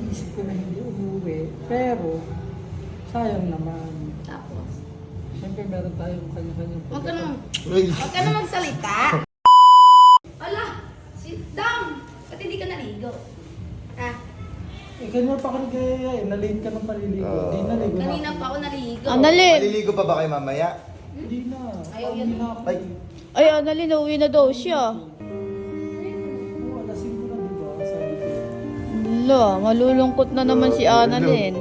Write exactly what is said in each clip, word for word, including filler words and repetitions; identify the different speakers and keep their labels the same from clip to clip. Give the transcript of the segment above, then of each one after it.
Speaker 1: Naiisip ko na hindi umuwi, pero sayang naman.
Speaker 2: Tapos,
Speaker 1: Siyempre meron tayong kanya-kanyang
Speaker 2: huwag ka naman,
Speaker 3: Uy.
Speaker 2: huwag ka na magsalita. Ala, sit down. Ba't hindi ka naligo? Ha?
Speaker 1: Eh, kanina pa ako nagkaya eh. Nalate ka ng paliligo.
Speaker 3: Oo.
Speaker 1: Hindi naligo na.
Speaker 2: Kanina pa ako naligo.
Speaker 4: Annalyn!
Speaker 3: Maliligo pa ba kayo mamaya?
Speaker 1: Hindi na.
Speaker 2: Ayaw
Speaker 1: Pauwi
Speaker 2: yan.
Speaker 1: na ako.
Speaker 3: Ay,
Speaker 4: Ay, Annalyn, uwi na daw siya.
Speaker 1: Oo, alasing ko na diba? Sabi ko.
Speaker 4: Wala, malulungkot na naman si Annalyn.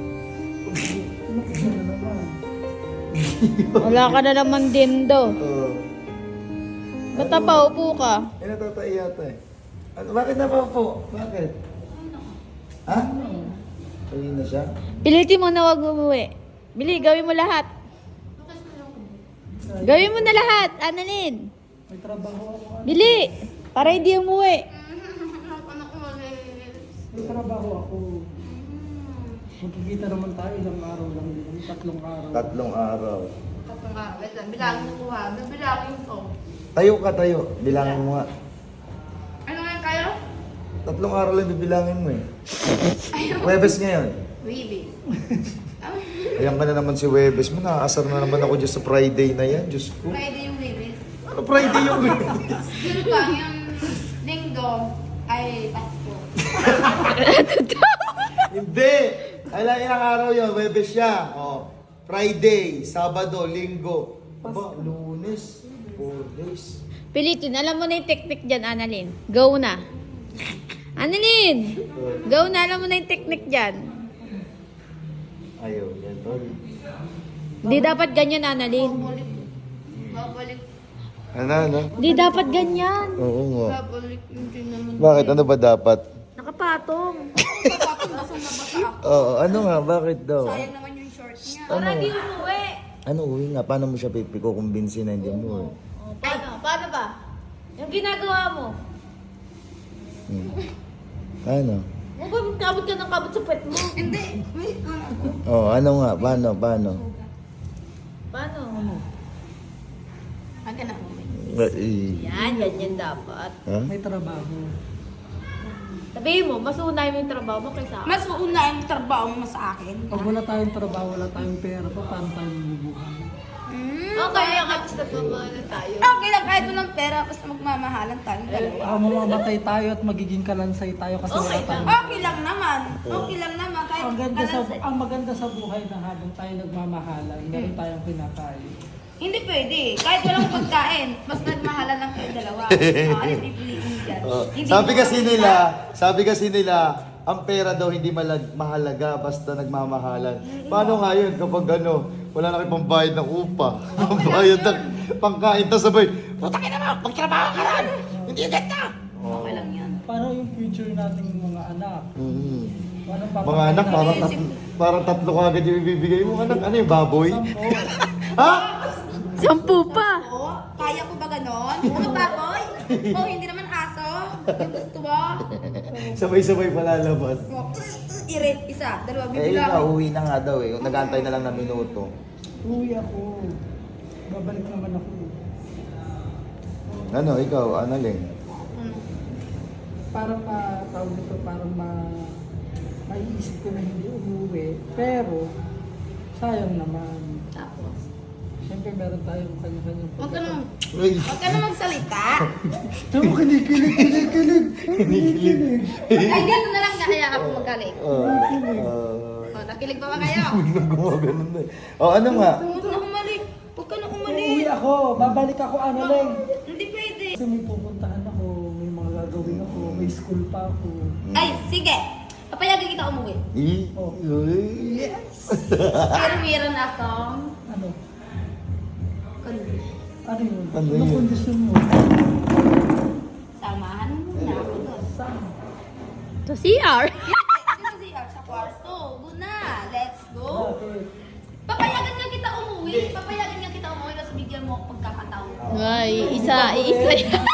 Speaker 1: Ano na naman?
Speaker 4: Wala ka na naman din daw.
Speaker 3: oo.
Speaker 4: Ba't pa, upo ka?
Speaker 3: Eh, natatay yata eh. Ano, bakit na pa po? Bakit? Ha? Uwi na siya?
Speaker 4: Pilitin mo na wag umuwi. Bili, gawin mo lahat. Gawin mo na lahat, Annalyn.
Speaker 1: May trabaho ako. ano?
Speaker 4: Bili, para hindi umuwi.
Speaker 1: May trabaho ako. Magkikita naman tayo ilang araw lang din. Tatlong araw.
Speaker 3: Tatlong araw.
Speaker 2: Tatlong araw. Wait lang, bilangin mo ha. Bilangin ko.
Speaker 3: Tayo ka tayo. Bilangin mo nga.
Speaker 2: Ano ngayon kayo?
Speaker 3: Tatlong araw lang bibilangin mo eh. Webes ngayon.
Speaker 2: Baby.
Speaker 3: Ayan ka na naman si Webes mo. Nakaasar na naman ako dyan sa Friday na yan. Diyos ko.
Speaker 2: Friday yung baby.
Speaker 3: Ano Friday yung Webes?
Speaker 2: Yun ba, yung linggo ay Pasko.
Speaker 3: Hindi! Ay lang ilang araw yun. Webes siya. Oh. Friday, Sabado, Linggo. Aba, Lunes. Four days.
Speaker 4: Pilitin, alam mo na yung technique dyan, Annalyn. Go na. Annalyn! Go na, alam mo na yung technique dyan.
Speaker 3: Ayaw, yan tol.
Speaker 4: Hindi dapat ganyan, Annalyn.
Speaker 2: Babalik. Babalik.
Speaker 3: Ano, ano?
Speaker 4: Hindi dapat ganyan.
Speaker 3: Oo nga.
Speaker 2: Babalik. Hindi naman.
Speaker 3: Bakit? Ano ba dapat?
Speaker 4: Nakapatong.
Speaker 2: Papapabasa na basa ako.
Speaker 3: Oo, ano nga? Bakit daw?
Speaker 2: Sayang naman yung short niya.
Speaker 3: Ano?
Speaker 4: Para di umuwi.
Speaker 3: Ano, uwi nga. Paano mo siya pipikukumbinsin na hindi mo?
Speaker 4: Oh, paano? Paano ba? Yung ginagawa mo.
Speaker 3: Hmm. Ano?
Speaker 4: Mo ba kabot ka ng kabot sa puwet mo?
Speaker 2: Hindi. Wait.
Speaker 3: Oh, ano nga? Paano? Paano?
Speaker 4: Paano?
Speaker 2: Huwag ka na umuwi.
Speaker 3: Ay.
Speaker 4: Yan, ganyan dapat.
Speaker 3: Ha?
Speaker 1: May trabaho.
Speaker 4: Sabihin mo, mas unay mo yung trabaho mo kaysa
Speaker 2: Mas uuna yung trabaho mo sa akin.
Speaker 1: Pag wala tayong trabaho, wala tayong pera, pa, paano tayo mabubuhay?
Speaker 2: Mm,
Speaker 4: Okay, yung kapis na pamahalan tayo.
Speaker 2: Okay lang kahit walang pera, basta magmamahalan tayo dalawa.
Speaker 1: Ah, mamamatay tayo at magiging kalansay tayo kasi wala
Speaker 4: Okay
Speaker 1: tayong...
Speaker 2: Okay lang naman. Okay lang naman. Kahit
Speaker 1: Ang ganda sa
Speaker 2: kalansay.
Speaker 1: ang maganda sa buhay na habang tayo nagmamahalan, meron tayong kinakain.
Speaker 2: Hindi pwede. Kahit walang pagkain, mas nagmahalan lang kayo dalawa. Ah, ano pipiliin dyan?
Speaker 3: Oh,
Speaker 2: Hindi
Speaker 3: sabi
Speaker 2: mo
Speaker 3: kasi
Speaker 2: makita.
Speaker 3: nila, sabi kasi nila, ang pera daw hindi malag mahalaga basta nagmamahalan. Paano nga yun kapag ano, wala na kayo pambayad ng upa, pambayad ng pangkain, tapos sabay, putangin naman, magtrabaho ka rin! Hindi ganda!
Speaker 2: Okay lang yan.
Speaker 1: Paano yung future nating mga anak?
Speaker 3: Mhm.
Speaker 1: Paano
Speaker 3: Mga anak, parang, tat parang tatlo ka agad yung ibibigay mo. Anak, ano yung baboy? Ha?
Speaker 4: Sampu pa.
Speaker 2: Oo, kaya ko ba ganon? Ano baboy? Oh, hindi naman aso. Yung gusto mo?
Speaker 3: Sabay-sabay palalabas.
Speaker 2: Oh, Irit, isa, dalawa,
Speaker 3: Eh,
Speaker 2: bibigyan
Speaker 3: ikaw,
Speaker 2: ko.
Speaker 3: uwi na nga daw eh. Nag-antay na lang na minuto.
Speaker 1: Uwi ako. Babalik naman ako.
Speaker 3: Ano, ikaw, Annalyn?
Speaker 2: Hmm.
Speaker 1: Parang ma, tawag nito, parang ma, maiisip ko na hindi umuwi, pero sayang naman.
Speaker 2: Tapos,
Speaker 1: Siyempre meron tayong kanya-kanyang
Speaker 2: huwag ka naman,
Speaker 3: Uy!
Speaker 2: huwag ka na magsalita.
Speaker 1: Tama, kinikilig, kinikilig.
Speaker 3: Kinikilig.
Speaker 2: Ay, dito na lang kaya ako magaling.
Speaker 3: Oh,
Speaker 2: Oh, nakilig pa ba kayo?
Speaker 3: gumagano na eh. Oh, ano nga?
Speaker 2: Huwag na umalik. Huwag ka na
Speaker 1: Uuwi
Speaker 2: umalik.
Speaker 1: ako, babalik ako, ano lang.
Speaker 2: Hindi pwede.
Speaker 1: Kasi may pupuntahan ako, may mga gagawin ako, may school pa ako.
Speaker 2: Ay, sige. Papayagan kita umuwi.
Speaker 3: Eh?
Speaker 1: Oh.
Speaker 3: Yes!
Speaker 2: Pero meron akong
Speaker 1: Ano?
Speaker 2: kundi.
Speaker 1: Ano yun?
Speaker 3: Ano
Speaker 1: Anong
Speaker 3: yun?
Speaker 1: kondisyon mo?
Speaker 2: Samahan mo na ako doon.
Speaker 1: Saan?
Speaker 4: To C R.
Speaker 2: Dito si Ar sa kwarto. Go na. Let's go.
Speaker 1: Bakit?
Speaker 2: Papayagan nga kita umuwi. Papayagan nga kita umuwi kasi bigyan mo ako pagkakataon.
Speaker 4: Ay, isa, isa yan.